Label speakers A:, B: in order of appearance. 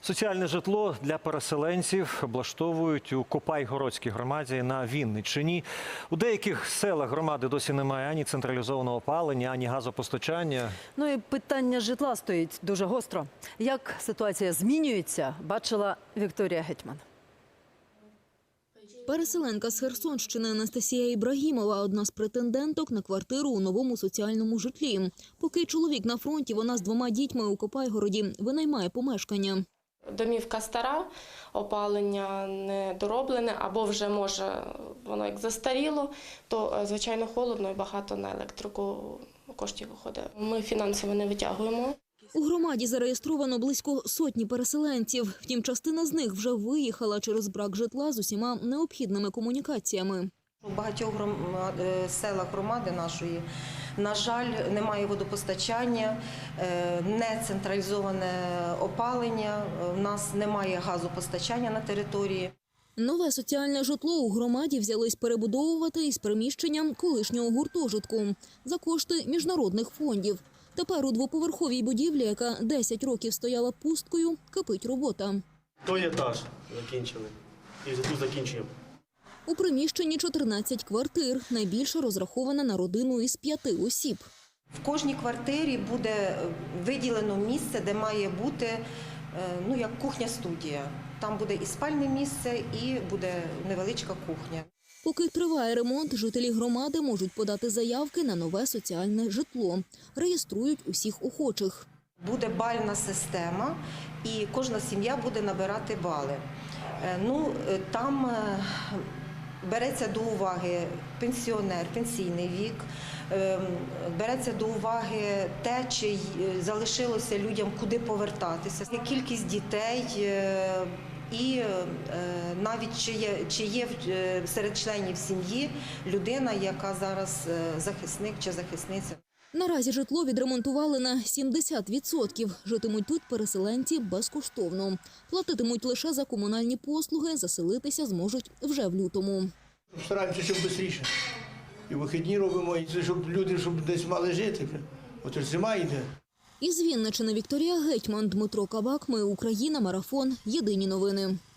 A: Соціальне житло для переселенців облаштовують у Копайгородській громаді на Вінниччині. У деяких селах громади досі немає ані централізованого опалення, ані газопостачання.
B: Ну і питання житла стоїть дуже гостро. Як ситуація змінюється, бачила Вікторія Гетьман.
C: Переселенка з Херсонщини Анастасія Ібрагімова – одна з претенденток на квартиру у новому соціальному житлі. Поки чоловік на фронті, вона з 2 дітьми у Копайгороді винаймає помешкання.
D: Домівка стара, опалення не дороблене, або вже, може, воно як застаріло, то, звичайно, холодно і багато на електрику коштів виходить. Ми фінансово не витягуємо.
C: У громаді зареєстровано близько 100 переселенців. Втім, частина з них вже виїхала через брак житла з усіма необхідними комунікаціями.
E: У багатьох селах громади нашої, на жаль, немає водопостачання, не централізоване опалення, у нас немає газопостачання на території.
C: Нове соціальне житло у громаді взялись перебудовувати із приміщенням колишнього гуртожитку за кошти міжнародних фондів. Тепер у двоповерховій будівлі, яка 10 років стояла пусткою, кипить робота.
F: Той етаж закінчили і тут закінчуємо.
C: У приміщенні 14 квартир, найбільше розрахована на родину із 5 осіб.
E: В кожній квартирі буде виділено місце, де має бути як кухня-студія. Там буде і спальне місце, і буде невеличка кухня.
C: Поки триває ремонт, жителі громади можуть подати заявки на нове соціальне житло. Реєструють усіх охочих.
E: Буде бальна система, і кожна сім'я буде набирати бали. Там береться до уваги пенсіонер, пенсійний вік, береться до уваги те, чи залишилося людям куди повертатися, кількість дітей і навіть чи є серед членів сім'ї людина, яка зараз захисник чи захисниця.
C: Наразі житло відремонтували на 70%. Житимуть тут переселенці безкоштовно. Платитимуть лише за комунальні послуги, заселитися зможуть вже в лютому.
G: Стараємося, щоб швидше. І вихідні робимо, щоб люди десь мали жити. От ж зима йде.
C: Із Вінниччини Вікторія Гетьман, Дмитро Кабак. Ми Україна. Марафон. Єдині новини.